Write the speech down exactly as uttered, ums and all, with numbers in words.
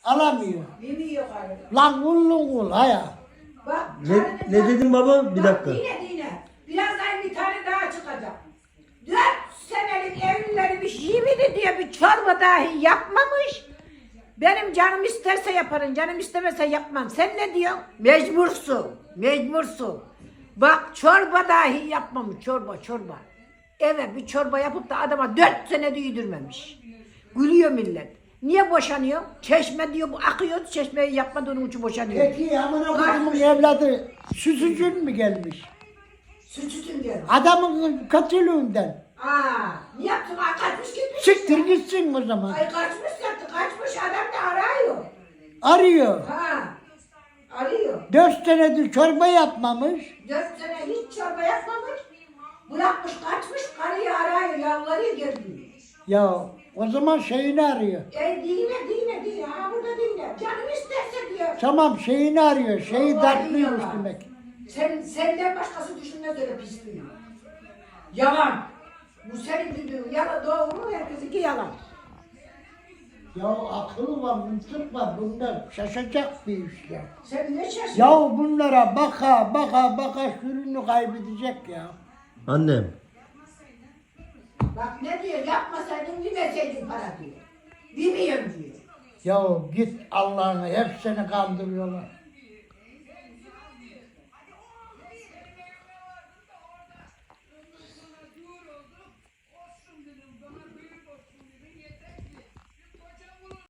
Alamıyor. Yemiyor karı. Lan kullun kul haya. Bak. Ne, ne dedin baba? Bir dakika. Bak dine dine. Birazdan bir tane daha çıkacak. Dört senelik evlilermiş yemini diye bir çorba dahi yapmamış. Benim canım isterse yaparım, canım istemezse yapmam. Sen ne diyorsun? Mecbursun, mecbursun. Bak çorba dahi yapmamış, çorba, çorba. Evet bir çorba yapıp da adama dört sene de yedirmemiş. Gülüyor millet. Niye boşanıyor? Çeşme diyor, bu akıyor, çeşmeyi yapmadığının için boşanıyor. Peki amına kodumun evladı süsücün mü gelmiş? Sütütün diyor. Adamın kötülüğünden. Aa, ne yaptın? Ay kaçmış gitmiş. Siktir gitsin o zaman. Ay kaçmış yaptı, kaçmış adam da arıyor. Arıyor. Ha, arıyor. Dört senedir çorba yapmamış. Dört sene hiç çorba yapmamış. Bırakmış, kaçmış, karıyı arıyor, yalvarıyor geldi. Ya o zaman şeyini arıyor. E dine, dine, dine, ha burada dine. Canım isterse diyor. Tamam şeyini arıyor. Şeyi Vallahi dertliymiş yalan. demek. Sen, senden başkası düşünmez öyle pisliği. Yalan. Bu senin dediğin yalan, doğru mu? Herkesinki yalan. Ya akıl var, mıntık var. Bunlar şaşacak bir iş ya. Sen ne şaşırdın? Ya bunlara baka baka baka sürünü kaybedecek ya. Annem. Bak ne diyor, yapmasaydın vermeseydin para diyor. Bilmiyorum diyor. Ya git Allah'ını hepsini kandırıyorlar.